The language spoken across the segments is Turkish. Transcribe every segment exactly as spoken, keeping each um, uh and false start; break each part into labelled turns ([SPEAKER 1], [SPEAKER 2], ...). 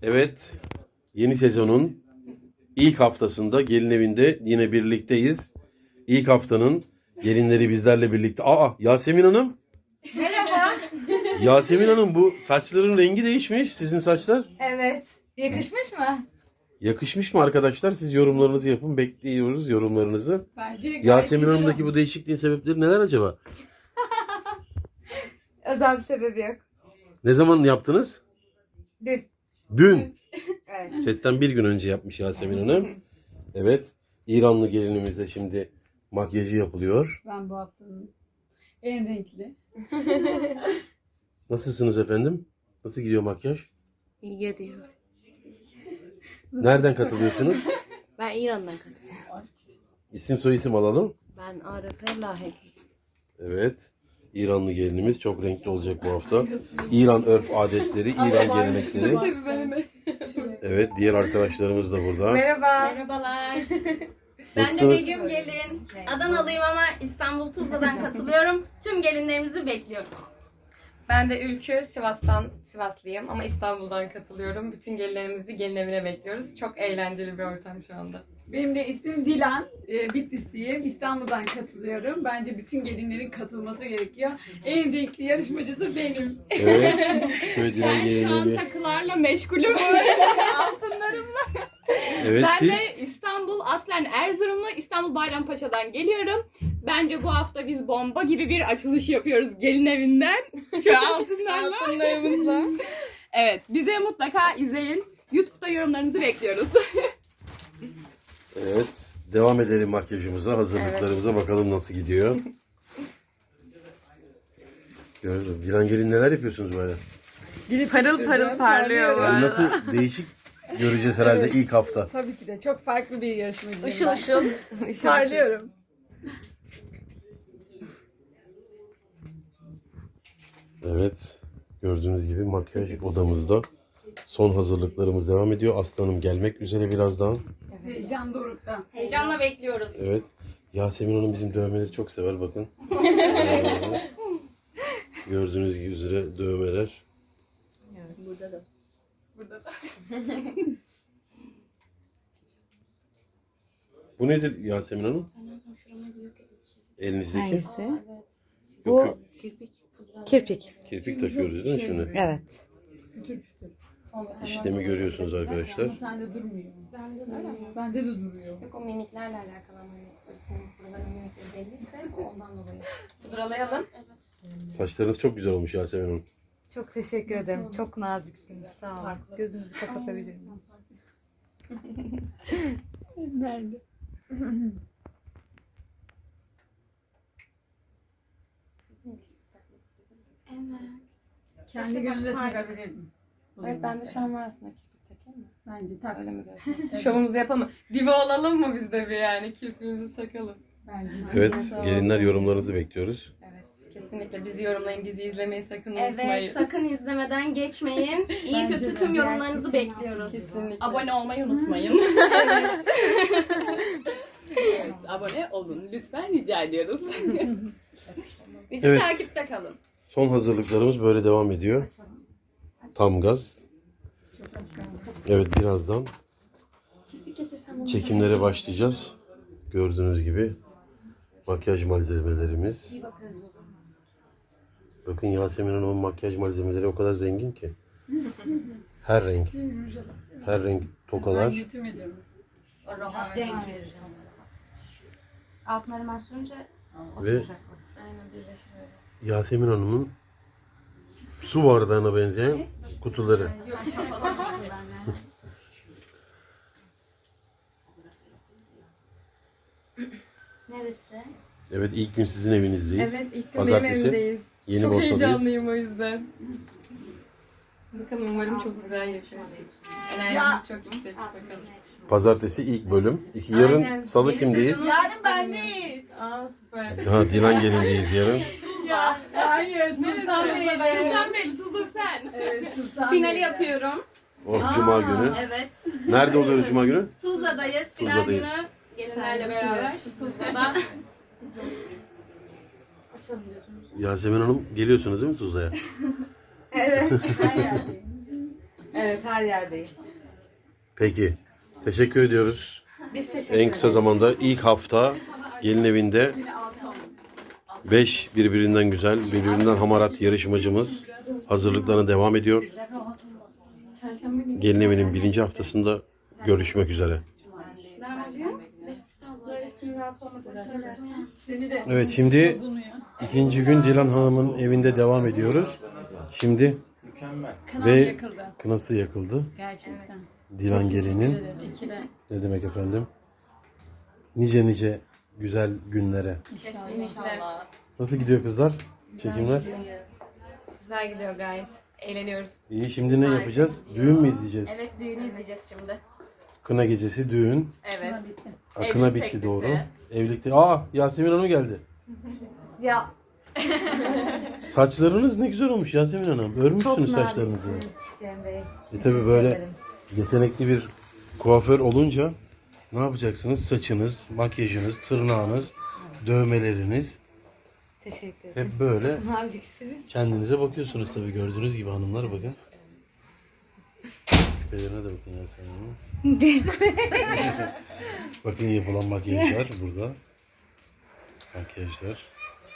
[SPEAKER 1] Evet, yeni sezonun ilk haftasında gelin evinde yine birlikteyiz. İlk haftanın gelinleri bizlerle birlikte. Aa, Yasemin Hanım.
[SPEAKER 2] Merhaba.
[SPEAKER 1] Yasemin Hanım, bu saçların rengi değişmiş. Sizin saçlar.
[SPEAKER 2] Evet. Yakışmış mı?
[SPEAKER 1] Yakışmış mı arkadaşlar? Siz yorumlarınızı yapın. Bekliyoruz yorumlarınızı.
[SPEAKER 3] Bence gayet
[SPEAKER 1] Yasemin
[SPEAKER 3] güzel
[SPEAKER 1] Hanım'daki
[SPEAKER 3] olmuş.
[SPEAKER 1] bu değişikliğin sebepleri neler acaba?
[SPEAKER 2] Özel bir sebebi yok.
[SPEAKER 1] Ne zaman yaptınız?
[SPEAKER 2] Dün.
[SPEAKER 1] Dün.
[SPEAKER 2] Evet.
[SPEAKER 1] Setten bir gün önce yapmış Yasemin Hanım. Evet. İranlı gelinimize şimdi makyajı yapılıyor.
[SPEAKER 3] Ben bu haftanın en renkli.
[SPEAKER 1] Nasılsınız efendim? Nasıl gidiyor makyaj?
[SPEAKER 4] İyi gidiyor.
[SPEAKER 1] Nereden katılıyorsunuz?
[SPEAKER 4] Ben İran'dan katılıyorum.
[SPEAKER 1] İsim soyisim alalım.
[SPEAKER 4] Ben Arife Lahedi.
[SPEAKER 1] Evet. İranlı gelinimiz çok renkli olacak bu hafta. İran örf adetleri, İran gelenekleri. Evet, diğer arkadaşlarımız da burada.
[SPEAKER 2] Merhaba.
[SPEAKER 5] Merhabalar. Ben de
[SPEAKER 1] Nasılsınız?
[SPEAKER 5] Begüm Gelin. Adanalıyım ama İstanbul Tuzla'dan katılıyorum. Tüm gelinlerimizi bekliyoruz.
[SPEAKER 6] Ben de Ülkü, Sivas'tan, Sivaslıyım ama İstanbul'dan katılıyorum. Bütün gelinlerimizi gelin evine bekliyoruz. Çok eğlenceli bir ortam şu anda.
[SPEAKER 3] Benim de ismim Dilan. E, Bitlisliyim. İstanbul'dan katılıyorum. Bence bütün gelinlerin katılması gerekiyor. En renkli yarışmacısı benim.
[SPEAKER 1] Evet. Şöyle diren
[SPEAKER 6] Ben şu an
[SPEAKER 1] gelinimi.
[SPEAKER 6] takılarla meşgulüm.
[SPEAKER 3] Altınlarımla.
[SPEAKER 1] Evet,
[SPEAKER 6] Ben
[SPEAKER 1] siz.
[SPEAKER 6] de İstanbul, aslen Erzurumlu, İstanbul Bayrampaşa'dan geliyorum. Bence bu hafta biz bomba gibi bir açılış yapıyoruz gelin evinden. Şu altınlarla. Altınlarımızla. Evet, bize mutlaka izleyin. YouTube'da yorumlarınızı bekliyoruz.
[SPEAKER 1] Evet. Devam edelim makyajımıza, hazırlıklarımıza. Bakalım nasıl gidiyor. Gördüm. Dilan gelin neler yapıyorsunuz böyle?
[SPEAKER 6] Parıl parıl parlıyor bu
[SPEAKER 1] Yani nasıl değişik göreceğiz herhalde ilk hafta.
[SPEAKER 3] Tabii ki de çok farklı bir yarışmacıyım
[SPEAKER 6] Işıl
[SPEAKER 3] ben.
[SPEAKER 6] ışıl.
[SPEAKER 3] Parlıyorum.
[SPEAKER 1] Evet. Gördüğünüz gibi makyaj odamızda son hazırlıklarımız devam ediyor. Aslanım gelmek üzere birazdan.
[SPEAKER 3] Heyecan dorukta.
[SPEAKER 5] Heyecanla bekliyoruz.
[SPEAKER 1] Evet. Yasemin Hanım bizim dövmeleri çok sever, bakın. Ee, Gördüğünüz gibi üzere dövmeler.
[SPEAKER 6] Burada da.
[SPEAKER 3] Burada da.
[SPEAKER 1] Bu nedir Yasemin Hanım? Elinizdeki?
[SPEAKER 2] Hangisi?
[SPEAKER 1] Yok,
[SPEAKER 2] Bu
[SPEAKER 1] yok.
[SPEAKER 6] Kirpik.
[SPEAKER 2] kirpik.
[SPEAKER 1] Kirpik takıyoruz değil mi şimdi?
[SPEAKER 2] Evet.
[SPEAKER 3] Pütür pütür.
[SPEAKER 1] İşlemi görüyorsunuz arkadaşlar.
[SPEAKER 3] Ama sende durmuyor.
[SPEAKER 5] Ben de öyle.
[SPEAKER 3] Bende de duruyor.
[SPEAKER 5] Yok, o mimiklerle alakalı ama hani böyle senin buraların mimikleri belliyse ondan dolayı. Pudralayalım. Evet.
[SPEAKER 1] Saçlarınız çok güzel olmuş Yasemin Hanım.
[SPEAKER 2] Çok teşekkür ederim. Çok naziksiniz. Sağ olun. Gözünüzü kapatabilir miyim?
[SPEAKER 3] Nerede?
[SPEAKER 5] Evet.
[SPEAKER 3] Kendi gönlüne takabilirim.
[SPEAKER 6] Evet, ben de şu an var aslında kirpik takayım mı?
[SPEAKER 3] Bence tak.
[SPEAKER 6] Öyle mi diyorsun? Şovumuzu yapalım mı? Diva olalım mı biz de bir yani? Kirpiğimizi takalım.
[SPEAKER 3] Bence de.
[SPEAKER 1] Evet, gelinler yorumlarınızı bekliyoruz.
[SPEAKER 6] Evet, kesinlikle bizi yorumlayın, bizi izlemeyi sakın
[SPEAKER 5] Evet,
[SPEAKER 6] unutmayın.
[SPEAKER 5] sakın izlemeden geçmeyin. İyi
[SPEAKER 3] Bence
[SPEAKER 5] kötü
[SPEAKER 3] de.
[SPEAKER 5] tüm yorumlarınızı bekliyoruz.
[SPEAKER 6] Kesinlikle. Abone olmayı unutmayın.
[SPEAKER 5] Evet.
[SPEAKER 6] Evet, abone olun lütfen, rica ediyoruz. Bizi
[SPEAKER 1] Evet.
[SPEAKER 6] takipte kalın.
[SPEAKER 1] Son hazırlıklarımız böyle devam ediyor. Tam gaz.
[SPEAKER 3] Çok az kaldı.
[SPEAKER 1] Evet, birazdan çekimlere başlayacağız. Gördüğünüz gibi makyaj malzemelerimiz. Bakın Yasemin Hanım'ın makyaj malzemeleri o kadar zengin ki. Her renk, her renk
[SPEAKER 3] Ben
[SPEAKER 1] tokalar.
[SPEAKER 3] getirmedim.
[SPEAKER 2] Rahat denk Altın animasyonca
[SPEAKER 1] Ve
[SPEAKER 6] Aynen, birleşiyor.
[SPEAKER 1] Yasemin Hanım'ın su bardağına benzeyen kutuları.
[SPEAKER 2] Neresi?
[SPEAKER 1] Evet, ilk gün sizin evinizdeyiz.
[SPEAKER 6] Evet, ilk gün benim
[SPEAKER 1] Pazartesi.
[SPEAKER 6] evimdeyiz.
[SPEAKER 1] Yeni
[SPEAKER 6] Çok
[SPEAKER 1] borsadayız.
[SPEAKER 6] heyecanlıyım o yüzden. Bakalım, umarım çok güzel geçer. Enerjimiz çok yüksek, bakalım.
[SPEAKER 1] Pazartesi ilk bölüm. İki, yarın
[SPEAKER 6] Aynen.
[SPEAKER 1] salı
[SPEAKER 6] Yeni
[SPEAKER 1] kimdeyiz?
[SPEAKER 6] sezonun-
[SPEAKER 3] Yarın bendeyiz.
[SPEAKER 6] Aa, süper.
[SPEAKER 1] Ha, Dilan gelindeyiz yarın.
[SPEAKER 3] Ya, hayır, Sultanbeyli.
[SPEAKER 6] Sultanbeyli, Tuzla sen.
[SPEAKER 3] Evet, Sultanbeyli.
[SPEAKER 5] Finali yapıyorum.
[SPEAKER 1] Oh, Cuma günü.
[SPEAKER 5] Evet.
[SPEAKER 1] Nerede oluyoruz Cuma günü?
[SPEAKER 5] Tuzla'dayız. Final
[SPEAKER 1] Tuzla'dayız.
[SPEAKER 5] günü gelinlerle beraber Tuzla'da.
[SPEAKER 1] Yasemin Hanım, geliyorsunuz değil mi Tuzla'ya?
[SPEAKER 2] Evet.
[SPEAKER 3] Ben geldim.
[SPEAKER 2] Evet, her yerdeyim.
[SPEAKER 1] Peki. Teşekkür ediyoruz.
[SPEAKER 2] Biz teşekkür
[SPEAKER 1] En kısa zamanda ilk hafta gelin evinde beş birbirinden güzel, birbirinden hamarat yarışmacımız hazırlıklarına devam ediyor. Gelin evinin birinci haftasında görüşmek üzere.
[SPEAKER 3] Seni de
[SPEAKER 1] Evet, şimdi ikinci gün Dilan Hanım'ın evinde devam ediyoruz. Şimdi
[SPEAKER 3] kanal
[SPEAKER 1] ve
[SPEAKER 3] yakıldı.
[SPEAKER 1] kınası yakıldı.
[SPEAKER 3] Gerçekten.
[SPEAKER 1] Dilan gelinin.
[SPEAKER 3] İkile.
[SPEAKER 1] Ne demek efendim? Nice nice güzel günlere.
[SPEAKER 5] İnşallah.
[SPEAKER 1] Nasıl gidiyor kızlar? Çekimler?
[SPEAKER 5] Güzel gidiyor gayet. Eğleniyoruz.
[SPEAKER 1] İyi, şimdi ne yapacağız? Düğün mü izleyeceğiz?
[SPEAKER 5] Evet, düğünü izleyeceğiz şimdi.
[SPEAKER 1] Kına gecesi düğün.
[SPEAKER 5] Evet.
[SPEAKER 1] Aa, Kına
[SPEAKER 6] Evlilik
[SPEAKER 1] bitti
[SPEAKER 6] teklifi.
[SPEAKER 1] doğru. Evlilikte. Aa, Yasemin Hanım geldi.
[SPEAKER 2] Ya
[SPEAKER 1] Saçlarınız ne güzel olmuş Yasemin Hanım.
[SPEAKER 2] çok
[SPEAKER 1] Örmüşsünüz saçlarınızı.
[SPEAKER 2] naziksiniz Cem Bey.
[SPEAKER 1] E tabi böyle
[SPEAKER 2] ederim.
[SPEAKER 1] yetenekli bir kuaför olunca ne yapacaksınız? Saçınız, makyajınız, tırnağınız, dövmeleriniz
[SPEAKER 2] Teşekkür ederim.
[SPEAKER 1] hep böyle
[SPEAKER 2] Naziksiniz.
[SPEAKER 1] kendinize bakıyorsunuz tabi. Gördüğünüz gibi hanımlar bakın. Küpelerine de bakın Yasemin Hanım. Bakın yapılan makyajlar burada. Makyajlar.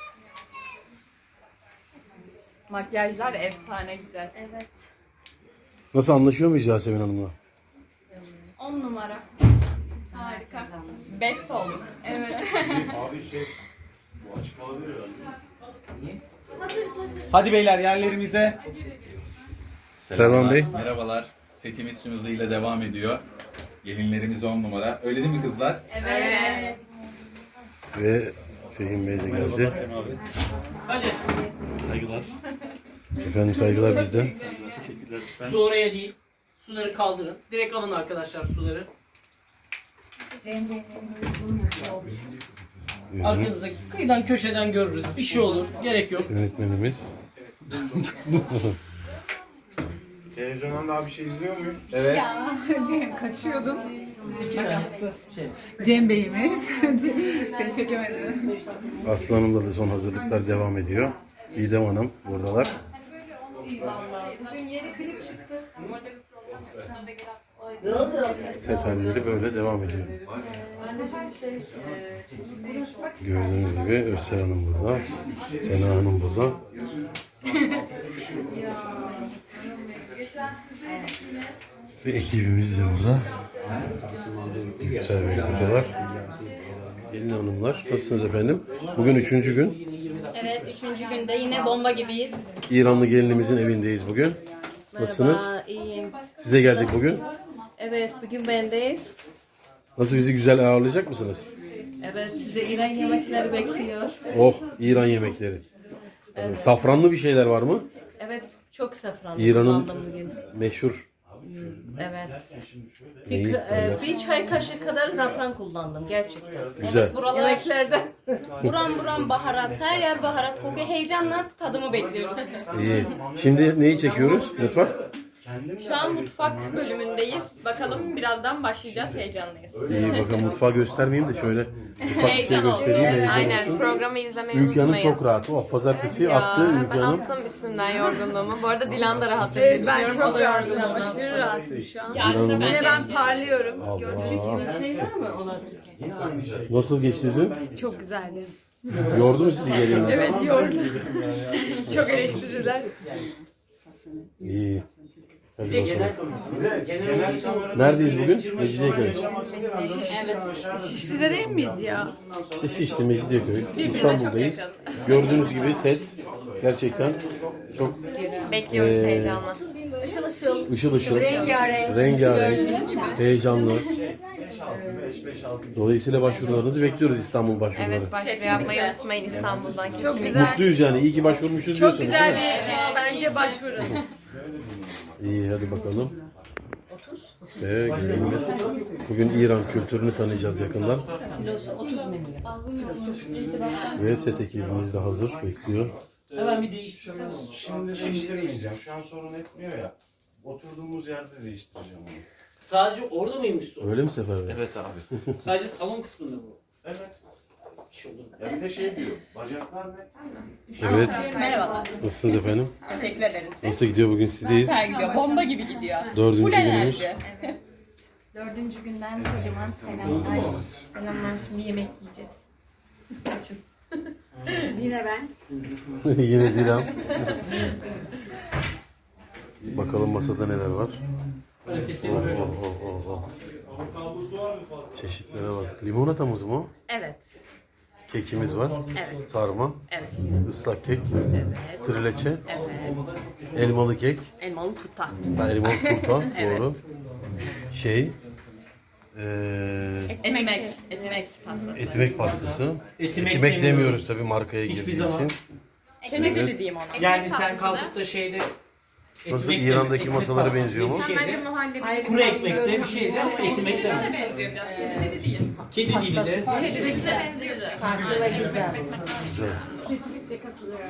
[SPEAKER 6] Makyajlar efsane güzel.
[SPEAKER 5] Evet.
[SPEAKER 1] Nasıl, anlaşıyor muyuz Yasemin Hanım'la?
[SPEAKER 5] On numara. Harika.
[SPEAKER 6] Best olduk. Evet.
[SPEAKER 7] Hadi beyler yerlerimize.
[SPEAKER 1] Selman Bey.
[SPEAKER 7] Merhabalar. Setimiz tüm hızıyla devam ediyor. Gelinlerimiz on numara. Öyle değil mi kızlar?
[SPEAKER 5] Evet.
[SPEAKER 1] Ve Fehim Bey de geldi.
[SPEAKER 8] Saygılar.
[SPEAKER 1] Efendim saygılar bizden.
[SPEAKER 8] Teşekkürler lütfen.
[SPEAKER 9] Su oraya değil. Suları kaldırın. Direkt alın arkadaşlar suları.
[SPEAKER 2] Cem Bey'in uygun yapıyor.
[SPEAKER 1] Buyurun.
[SPEAKER 9] Arkanızda kıyıdan köşeden görürüz. Bir şey olur. Gerek yok.
[SPEAKER 1] Yönetmenimiz.
[SPEAKER 8] Televizyondan daha bir şey izliyor muyuz?
[SPEAKER 7] Evet.
[SPEAKER 3] Cem kaçıyordum.
[SPEAKER 9] İki tane şey.
[SPEAKER 3] Cem Bey'imiz. Seni çekemedim.
[SPEAKER 1] Aslı Hanım'da da son hazırlıklar devam ediyor. İdem Hanım buradalar. Set halleri böyle devam ediyor. Gördüğünüz gibi Özsel Hanım burada. Sena Hanım burada. Ve ekibimiz de burada. Yüksel Bey buradalar. Gelin hanımlar, nasılsınız efendim? Bugün üçüncü gün.
[SPEAKER 5] Evet, üçüncü günde yine bomba gibiyiz.
[SPEAKER 1] İranlı gelinimizin evindeyiz bugün. Nasılsınız?
[SPEAKER 5] Merhaba, iyiyim.
[SPEAKER 1] Size geldik bugün.
[SPEAKER 5] Evet, bugün bendeyiz.
[SPEAKER 1] Nasıl, bizi güzel ağırlayacak mısınız?
[SPEAKER 5] Evet, size İran yemekleri bekliyor.
[SPEAKER 1] Oh, İran yemekleri. Safranlı bir şeyler var mı?
[SPEAKER 5] Evet, çok safranlı
[SPEAKER 1] İran'ın
[SPEAKER 5] kullandım bugün.
[SPEAKER 1] meşhur.
[SPEAKER 5] Evet.
[SPEAKER 1] Neyi
[SPEAKER 5] Bir, e,
[SPEAKER 1] derler?
[SPEAKER 5] bir çay kaşığı kadar zafran kullandım gerçekten.
[SPEAKER 1] Güzel.
[SPEAKER 5] Evet, buralar yemeklerde buram buram baharat, her yer baharat kokuyor. Heyecanla tadımı bekliyoruz.
[SPEAKER 1] İyi. Şimdi neyi çekiyoruz? Mutfak?
[SPEAKER 6] Şu an mutfak bölümündeyiz. Bakalım birazdan başlayacağız. Heyecanlıyız.
[SPEAKER 1] İyi, bakın mutfağı göstermeyeyim de şöyle ufak bir şey
[SPEAKER 6] Heyecan olsun.
[SPEAKER 1] göstereyim. Heyecan
[SPEAKER 5] Aynen,
[SPEAKER 1] olsun.
[SPEAKER 5] programı izlemeyi
[SPEAKER 1] Ülke Hanım
[SPEAKER 5] unutmayın.
[SPEAKER 1] çok rahat. Oh, pazartesi
[SPEAKER 5] Ya,
[SPEAKER 1] attı Ülke
[SPEAKER 5] ben
[SPEAKER 1] Hanım.
[SPEAKER 5] attım üstümden yorgunluğumu. Bu arada Dilan da rahatladı diye
[SPEAKER 3] Evet, ben
[SPEAKER 5] düşünüyorum. O
[SPEAKER 3] çok
[SPEAKER 5] da
[SPEAKER 3] rahatım.
[SPEAKER 5] yorgunluğunu.
[SPEAKER 3] Aşırı rahatım şu an.
[SPEAKER 6] Yarın da ben
[SPEAKER 3] Yine ben
[SPEAKER 6] de
[SPEAKER 3] parlıyorum.
[SPEAKER 1] Allah.
[SPEAKER 5] Şey var mı ona?
[SPEAKER 1] Nasıl geçti dün?
[SPEAKER 2] Çok güzeldi.
[SPEAKER 1] Yordu mu sizi gelinler?
[SPEAKER 3] Evet yordu. Çok eleştirdiler.
[SPEAKER 1] İyi. Hadi
[SPEAKER 9] Bir de
[SPEAKER 1] bakalım.
[SPEAKER 9] genel kamera. Genel kamera.
[SPEAKER 1] Neredeyiz bugün? Mecidiyeköy.
[SPEAKER 5] Evet.
[SPEAKER 3] Şişli'de değil miyiz ya?
[SPEAKER 1] İşte Şişli, Mecidiyeköy. İstanbul'dayız. Gördüğünüz gibi set gerçekten çok
[SPEAKER 5] Bekliyoruz
[SPEAKER 1] Ee,
[SPEAKER 5] heyecanla. Işıl ışıl.
[SPEAKER 1] ışıl ışıl,
[SPEAKER 5] Rengarenk.
[SPEAKER 1] rengarenk, heyecanlı. Dolayısıyla başvurularınızı bekliyoruz, İstanbul başvuruları.
[SPEAKER 5] Evet, başvuru yapmayı unutmayın İstanbul'dan.
[SPEAKER 3] Çok
[SPEAKER 5] kesinlikle.
[SPEAKER 3] güzel.
[SPEAKER 1] Mutluyuz yani, iyi ki başvurmuşuz
[SPEAKER 3] Çok
[SPEAKER 1] diyorsunuz
[SPEAKER 3] güzel
[SPEAKER 1] değil mi?
[SPEAKER 3] bir e, bence başvuru.
[SPEAKER 1] İyi, hadi bakalım. Ve gelinimiz, bugün İran kültürünü tanıyacağız yakından. Ve set ekibimiz de hazır, bekliyor.
[SPEAKER 9] Hemen bir değiştirsin.
[SPEAKER 8] Şimdi değiştirmeyeceğim. Şu an sorun etmiyor ya. Oturduğumuz yerde değiştireceğim onu.
[SPEAKER 9] Sadece orada mıymış su?
[SPEAKER 1] Öyle mi Sefer Bey?
[SPEAKER 8] Evet abi.
[SPEAKER 9] Sadece salon kısmında bu.
[SPEAKER 8] Evet.
[SPEAKER 9] rahat bir şey olur.
[SPEAKER 8] Ya bir de şey diyor. Bacaklar ne?
[SPEAKER 1] Evet.
[SPEAKER 6] Merhabalar.
[SPEAKER 1] Nasılsınız efendim?
[SPEAKER 6] Teşekkür ederiz.
[SPEAKER 1] Nasıl gidiyor bugün sizdeyiz?
[SPEAKER 6] Süper gidiyor. Bomba gibi gidiyor.
[SPEAKER 1] Dördüncü
[SPEAKER 6] Full
[SPEAKER 1] günümüz.
[SPEAKER 6] enerji.
[SPEAKER 5] Dördüncü günden kocaman selamlar. Selamlar, şimdi yemek yiyeceğiz. Açız.
[SPEAKER 3] Yine ben.
[SPEAKER 1] Yine Dilan. Bakalım masada neler var.
[SPEAKER 9] Nefesi
[SPEAKER 1] Oh,
[SPEAKER 9] böyle.
[SPEAKER 1] oh, oh, oh, oh. Çeşitlere bak. Limonatamız mı o?
[SPEAKER 6] Evet.
[SPEAKER 1] Kekimiz var.
[SPEAKER 6] Evet.
[SPEAKER 1] Sarma.
[SPEAKER 6] Evet.
[SPEAKER 1] Islak kek.
[SPEAKER 6] Evet.
[SPEAKER 1] Trileçe.
[SPEAKER 6] Evet.
[SPEAKER 1] Elmalı kek.
[SPEAKER 6] Elmalı turta.
[SPEAKER 1] Ha, elmalı turta.
[SPEAKER 6] Evet.
[SPEAKER 1] Doğru. Şey. Eee
[SPEAKER 6] Etimek. Etimek pastası.
[SPEAKER 1] etimek pastası.
[SPEAKER 9] Etimek
[SPEAKER 1] Etimek
[SPEAKER 9] demiyoruz.
[SPEAKER 1] demiyoruz tabii markaya
[SPEAKER 9] Hiçbir
[SPEAKER 1] girdiği
[SPEAKER 9] zaman.
[SPEAKER 1] için.
[SPEAKER 6] Kenegili
[SPEAKER 1] Evet.
[SPEAKER 6] diyeyim ona.
[SPEAKER 9] Yani sen kalkıp da şeyde
[SPEAKER 1] Nasıl,
[SPEAKER 9] ekmek
[SPEAKER 1] İran'daki
[SPEAKER 9] deme, ekmek
[SPEAKER 1] masalara
[SPEAKER 9] pastası
[SPEAKER 1] benziyor mu?
[SPEAKER 9] bir şeyde,
[SPEAKER 5] Bence muhallebi. Hayır,
[SPEAKER 9] Kuru ekmekte bir şeyde ama ekmek
[SPEAKER 6] Buna da
[SPEAKER 9] deme.
[SPEAKER 6] benziyor biraz. Kenegili değil.
[SPEAKER 9] Kedi dili de.
[SPEAKER 6] Kenegili de benziyor.
[SPEAKER 4] Farklı ve güzel.
[SPEAKER 1] Güzel.
[SPEAKER 3] Kesinlikle katılıyorum.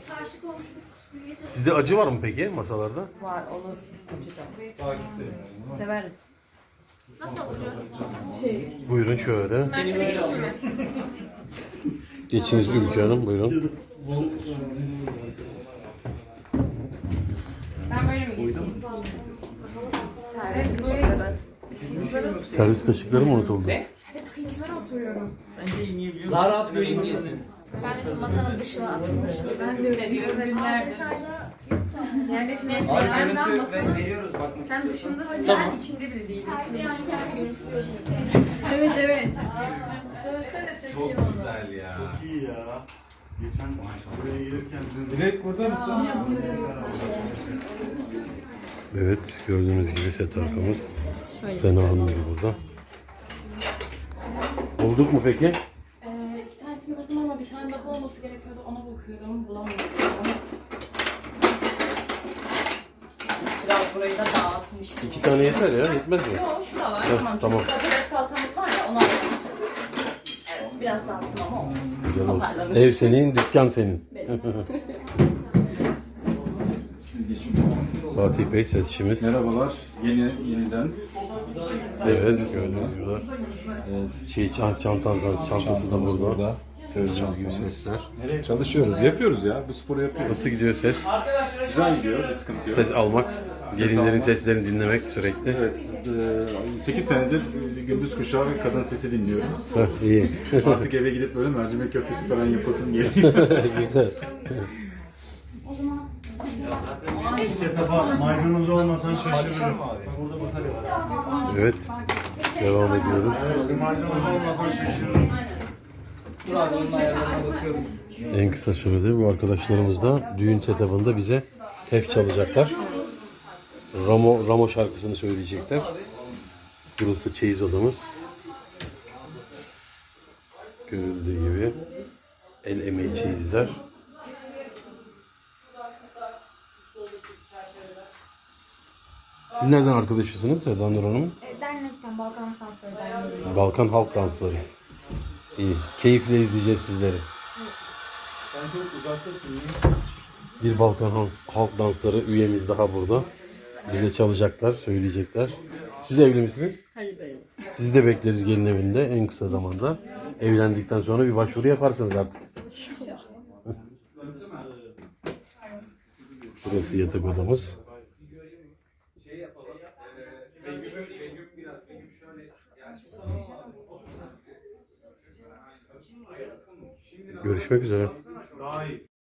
[SPEAKER 1] Sizde acı var mı peki masalarda?
[SPEAKER 4] Var, olur. Acı da. Severiz.
[SPEAKER 1] Buyurun şöyle.
[SPEAKER 9] Senin öyle alıyor.
[SPEAKER 1] Geçiniz Ülke Hanım buyurun.
[SPEAKER 5] Ben böyle mi geçeyim?
[SPEAKER 4] Servis kaşıkları.
[SPEAKER 1] Servis kaşıkları mı unutuldu?
[SPEAKER 9] Ne? Daha rahat göreyim diyesin.
[SPEAKER 5] Ben masanın dışına atılmış gibi hissediyorum günlerdir. Yerleşmeye sevmemden masanın sen dışındasın
[SPEAKER 9] Tamam.
[SPEAKER 5] yani içinde bile değil.
[SPEAKER 3] Evet evet.
[SPEAKER 7] Çok güzel ya.
[SPEAKER 8] İyi ya. Geçen buraya gelirken dün
[SPEAKER 7] Direkt burada mısın?
[SPEAKER 1] Evet gördüğünüz gibi set arkamız. Sena Hanım da burada. Bulduk mu peki?
[SPEAKER 5] Ee, iki tanesini buldum ama bir tane daha olması gerekiyordu. Ona bakıyorum. Bulamıyorum. Biraz burayı da dağıtmış.
[SPEAKER 1] İki tane yeter ya yetmez mi?
[SPEAKER 5] Yok şu da var.
[SPEAKER 1] Heh,
[SPEAKER 5] tamam.
[SPEAKER 1] tamam.
[SPEAKER 5] Çünkü patates salatamız var ya onu almak için. Evet biraz dağıttım ama olsun.
[SPEAKER 1] Güzel olsun.
[SPEAKER 5] Toparlanır.
[SPEAKER 1] Ev senin, dükkan senin.
[SPEAKER 7] Siz geçin.
[SPEAKER 1] Fatih Bey sesçimiz.
[SPEAKER 7] Merhabalar. Yeni yeniden.
[SPEAKER 1] Evet gördüğünüz gibi.
[SPEAKER 7] Evet.
[SPEAKER 1] Şey çant çantası, çantası da burada. Gördüğünüz gibi sesler.
[SPEAKER 7] Çalışıyoruz. Yapıyoruz ya. Bu sporu yapıyoruz.
[SPEAKER 1] Nasıl gidiyor ses?
[SPEAKER 7] Güzel gidiyor. Bir sıkıntı yok.
[SPEAKER 1] Ses almak, gelinlerin
[SPEAKER 7] almak.
[SPEAKER 1] seslerini dinlemek sürekli.
[SPEAKER 7] Evet. sekiz senedir gündüz kuşağı ve kadın sesi dinliyorum.
[SPEAKER 1] Heh, iyi.
[SPEAKER 7] Artık eve gidip böyle mercimek köftesi falan yapasım geliyor.
[SPEAKER 1] Güzel.
[SPEAKER 8] setup'a maydanoz olmasan şaşırırım. Burada batarya var.
[SPEAKER 1] Evet. Devam ediyoruz.
[SPEAKER 8] Bir maydanoz olmasan şaşırırım.
[SPEAKER 9] Dur abi onun ayarlarına bakıyorum.
[SPEAKER 1] En kısa sürede bu arkadaşlarımız da düğün setup'ında bize tef çalacaklar. Ramo, Ramo şarkısını söyleyecekler. Burası çeyiz odamız. Görüldüğü gibi el emeği çeyizler. Siz nereden arkadaşısınız Seda Nur Hanım?
[SPEAKER 5] Dernekten Balkan Dansları Derneği.
[SPEAKER 1] Balkan Halk Dansları. İyi. Keyifle izleyeceğiz sizleri.
[SPEAKER 8] Sen çok uzaktasın.
[SPEAKER 1] Bir Balkan Halk- Halk Dansları üyemiz daha burada. Bize çalacaklar, söyleyecekler. Siz evli misiniz?
[SPEAKER 3] Hayır değilim.
[SPEAKER 1] Sizi de bekleriz gelin evinde en kısa zamanda. Evlendikten sonra bir başvuru yaparsınız artık. Burası yatak odamız. Görüşmek üzere.
[SPEAKER 8] Daha iyi.